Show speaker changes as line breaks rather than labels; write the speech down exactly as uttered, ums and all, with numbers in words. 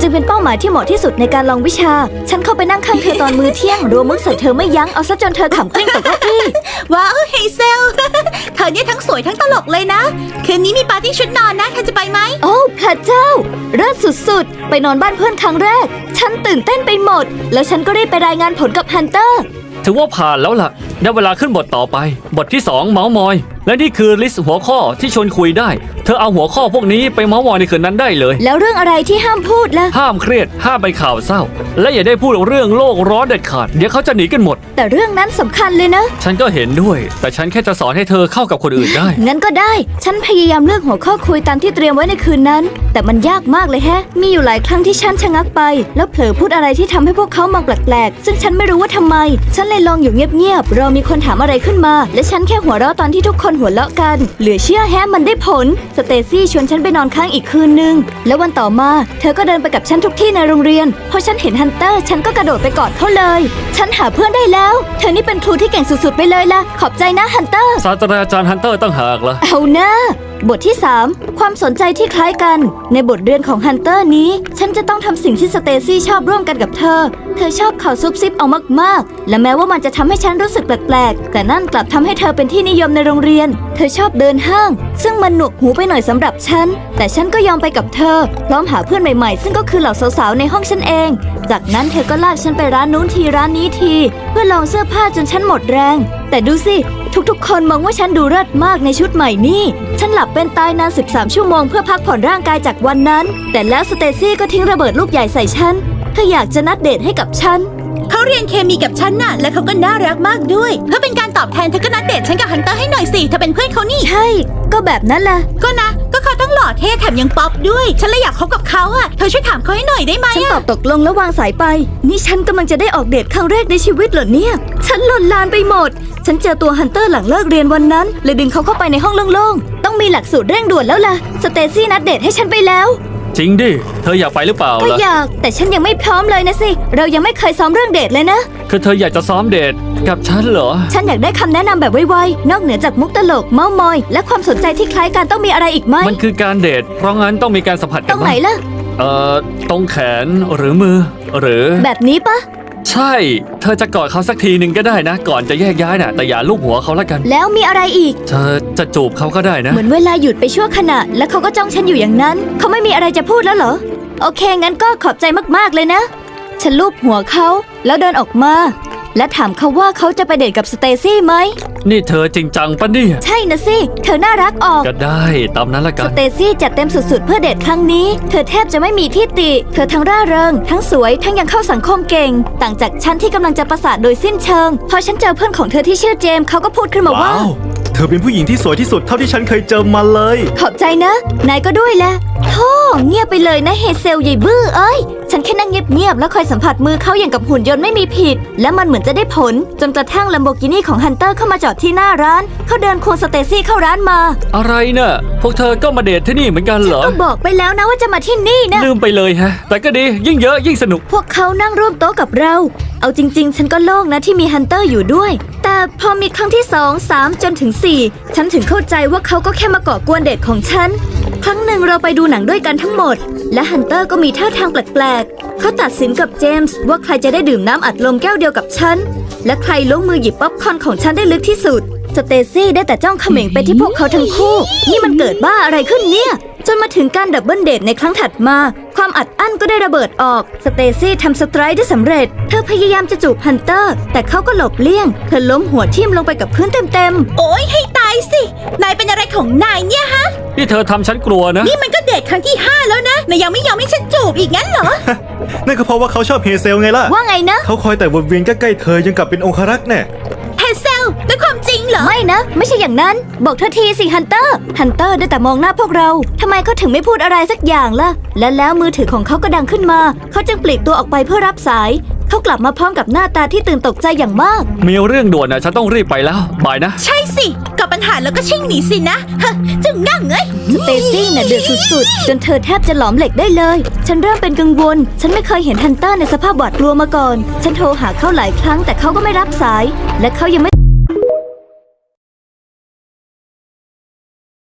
จึงเป็นเป้าหมายที่เหมาะที่สุดในการลองวิชาฉันเข้าไปนั่งข้างเธอตอนมื้อเที่ยงรัวมุกใส่เธอไม่ยั้งเอาซะจนเธอขำกลิ้งตกเก้าอี้
ว้าวเฮเซล เธอเนี่ยทั้งสวยทั้งตลกเลยนะคืนนี้มีปาร์ตี้ชุดนอนนะเธอจะไปไหม
โอ้พระเจ้าเลิศสุดๆไปนอนบ้านเพื่อนครั้งแรกฉันตื่นเต้นไปหมดแล้วฉันก็ได้ไปรายงานผลกับฮันเตอร์
ถือว่าผ่านแล้วล่ะได้เวลาขึ้นบทต่อไปบทที่สองเมาส์มอยและนี่คือลิสต์หัวข้อที่ชวนคุยได้เธอเอาหัวข้อพวกนี้ไปเมาส์มอยในคืนนั้นได้เลย
แล้วเรื่องอะไรที่ห้ามพูดล่ะ
ห้ามเครียดห้ามไปข่าวเศร้าและอย่าได้พูดเรื่องโลกร้อนเด็ดขาดเดี๋ยวเขาจะหนีกันหมด
แต่เรื่องนั้นสำคัญเลยนะ
ฉันก็เห็นด้วยแต่ฉันแค่จะสอนให้เธอเข้ากับคนอื่นได้
งั้นก็ได้ฉันพยายามเลือกหัวข้อคุยตามที่เตรียมไว้ในคืนนั้นแต่มันยากมากเลยแฮะมีอยู่หลายครั้งที่ฉันชะงักไปแล้วเผลอพูดอะไรที่ทำให้พวกเขามองแปลกๆซึ่งฉันไม่รู้ว่าทำไมฉันเลยลองอยู่เงียบๆรอมีคนถามอะไรขึ้นมาและฉันแค่หัวเราะตอนที่ทุกคนหัวเราะกันเหลือเชื่อแฮะมันได้ผลสเตซี่ชวนฉันไปนอนค้างอีกคืนนึงแล้ววันต่อมาเธอก็เดินไปกับฉันทุกที่ในโรงเรียนพอฉันเห็นฮันเตอร์ฉันก็กระโดดไปกอดเขาเลยฉันหาเพื่อนได้แล้วเธอนี่เป็นครูที่เก่งสุดๆไปเลยล่ะขอบใจนะฮันเตอร์
ศาสตราจารย์ฮันเตอร์ตั้งหากล่ะ
เอานะบทที่สามความสนใจที่คล้ายกันในบทเรียนของฮันเตอร์นี้ฉันจะต้องทำสิ่งที่สเตซี่ชอบร่วมกันกับเธอเธอชอบข่าวซุบซิบเอามากๆและแม้ว่ามันจะทำให้ฉันรู้สึกแปลกๆแต่นั่นกลับทำให้เธอเป็นที่นิยมในโรงเรียนเธอชอบเดินห้างซึ่งมันหนวกหูไปหน่อยสำหรับฉันแต่ฉันก็ยอมไปกับเธอพร้อมหาเพื่อนใหม่ๆซึ่งก็คือเหล่าสาวๆในห้องฉันเองจากนั้นเธอก็ลากฉันไปร้านนู้นทีร้านนี้ทีเพื่อลองเสื้อผ้าจนฉันหมดแรงแต่ดูสิทุกๆคนมองว่าฉันดูเลิศมากในชุดใหม่นี่ฉันหลับเป็นตายนานสิบสามชั่วโมงเพื่อพักผ่อนร่างกายจากวันนั้นแต่แล้วสเตซี่ก็ทิ้งระเบิดลูกใหญ่ใส่ฉันเธออยากจะนัดเดทให้กับฉัน
เขาเรียนเคมีกับฉันน่ะและเขาก็น่ารักมากด้วยเพื่อเป็นการตอบแทนเธอก็นัดเดทฉันกับฮันเตอร์ให้หน่อยสิเธอเป็นเพื่อนเขานี่
ใช่ก็แบบนั้นล่ะ
ก็นะก็เขาทั้งหล่อเท่แถมยังป๊อปด้วยฉันเลยอยากคบกับเขาอ่ะเธอช่วยถามเขาให้หน่อยได้ไหม
ฉันตอบตกลงแล้ววางสายไปนี่ฉันกำลังจะได้ออกเดทครั้งแรกในชีวิตเหรอเนี่ยฉันหล่นลานไปหมดฉันเจอตัวฮันเตอร์หลังเลิกเรียนวันนั้นเลยดึงเขาเข้าไปในห้องโล่งๆต้องมีหลักสูตรเร่งด่วนแล้วล่ะสเตซี่นัดเดทให้ฉันไปแล้ว
จริงดิเธออยากไปหรือเปล่า
ก็อยากแต่ฉันยังไม่พร้อมเลยนะสิเรายังไม่เคยซ้อมเรื่องเดทเลยนะ
คือเธออยากจะซ้อมเดทกับฉันเหรอ
ฉันอยากได้คำแนะนำแบบไวๆนอกเหนือจากมุกตลกเม้ามอยและความสนใจที่คล้ายกันต้องมีอะไรอีกไหม
มันคือการเดทเพราะงั้นต้องมีการสัมผัสกัน
ตรงไหนล่ะ
เอ่อตรงแขนหรือมือหรือ
แบบนี้ปะ
ใช่เธอจะกอดเขาสักทีหนึ่งก็ได้นะก่อนจะแยกย้ายน่ะแต่อย่าลูบหัวเขาละกัน
แล้วมีอะไรอีก
เธอจะจูบเขาก็ได้นะ
เหมือนเวลาหยุดไปชั่วขณะแล้วเขาก็จ้องฉันอยู่อย่างนั้นเขาไม่มีอะไรจะพูดแล้วเหรอโอเคงั้นก็ขอบใจมากๆเลยนะฉันลูบหัวเขาแล้วเดินออกมาและถามเขาว่าเขาจะไปเดทกับสเตซี่ไหม
นี่เธอจริงจังปะเนี่ย
ใช่นะสิเธอน่ารักออก
ก็ได้ตามนั้นละกัน
สเตซี่จัดเต็มสุดๆเพื่อเดทครั้งนี้เธอแทบจะไม่มีที่ติเธอทั้งร่าเริงทั้งสวยทั้งยังเข้าสังคมเก่งต่างจากฉันที่กำลังจะประสาทโดยสิ้นเชิงพอฉันเจอเพื่อนของเธอที่ชื่อเจมส์เขาก็พูดขึ้นมาว่า
เธอเป็นผู้หญิงที่สวยที่สุดเท่าที่ฉันเคยเจอมาเลย
ขอบใจนะนายก็ด้วยแหละโธ่เงียบไปเลยนะเฮเซลใหญ่บื้อเอ้ยฉันแค่นั่งเงียบๆแล้วคอยสัมผัสมือเขาอย่างกับหุ่นยนต์ไม่มีผิดและมันเหมือนจะได้ผลจนกระทั่งลัมโบกินี่ของฮันเตอร์เข้ามาจอดที่หน้าร้านเขาเดินควงสเตซี่เข้าร้านมา
อะไรน่ะพวกเธอก็มาเดทที่นี่เหมือนกันเหรอ
ก็บอกไปแล้วนะว่าจะมาที่นี่นะ
ลืมไปเลยฮะแต่ก็ดียิ่งเยอะยิ่งสนุก
พวกเขานั่งร่วมโต๊ะกับเราเอาจริงๆฉันก็โล่งนะที่มีฮันเตอร์อยู่ด้วยแต่พอมีครั้งที่สอง สามจนถึงสี่ฉันถึงเข้าใจว่าเขาก็แค่มาก่อกวนเดทของฉันครั้งหนึ่งเราไปดูหนังด้วยกันทั้งหมดและฮันเตอร์ก็มีท่าทางแปลกๆเขาตัดสินกับเจมส์ว่าใครจะได้ดื่มน้ำอัดลมแก้วเดียวกับฉันและใครลงมือหยิบป๊อปคอร์นของฉันได้ลึกที่สุดสเตซี่ได้แต่จ้องเขม่งไปที่พวกเขาทั้งคู่นี่มันเกิดบ้าอะไรขึ้นเนี่ยจนมาถึงการดับเบิลเดทในครั้งถัดมาความอัดอั้นก็ได้ระเบิดออกสเตซี่ทำสไตรค์ได้สำเร็จเธอพยายามจะจูบฮันเตอร์แต่เขาก็หลบเลี่ยงเธอล้มหัวทิ่มลงไปกับพื้นเต็ม
ๆโอ๊ยให้ตายสินายเป็นอะไรของนายเนี่ยฮะ
นี่เธอทำฉันกลัวนะ
นี่มันก็เดทครั้งที่ห้าแล้วนะนายยังไม่ยอมให้ฉันจูบอีกงั้นเหรอ
นั่นก็เพราะว่าเขาชอบเฮเซลไงล่ะ
ว่าไงนะ
เขาคอยแต่วนเวียนใกล้ๆเธอยังกับเป็นองครักษ์แน่
เฮเซลเป็นความจริงเหรอ
ไม่นะไม่ใช่อย่างนั้นบอกเธอทีสิฮันเตอร์ฮันเตอร์ได้แต่มองหน้าพวกเราทำไมเขาถึงไม่พูดอะไรสักอย่างล่ะและแล้วมือถือของเขาก็ดังขึ้นมาเขาจึงปลีกตัวออกไปเพื่อรับสายเขากลับมาพร้อมกับหน้าตาที่ตื่นตกใจอย่างมาก
มีเรื่องด่วนนะฉันต้องรีบไปแล้วบายนะ
ใช่สิกับปัญหาแล้วก็ชิ่งหนีสินะฮะจึงนั่งเอ้ย
สเตซี่น่ะเดือดสุดๆจนเธอแทบจะหลอมเหล็กได้เลยฉันเริ่มเป็นกังวลฉันไม่เคยเห็นฮันเตอร์ในสภาพหวาดกลัวมาก่อนฉันโทรหาเขาหลายครั้งแต่เขาก็ไม่รับสายและเขายังไม่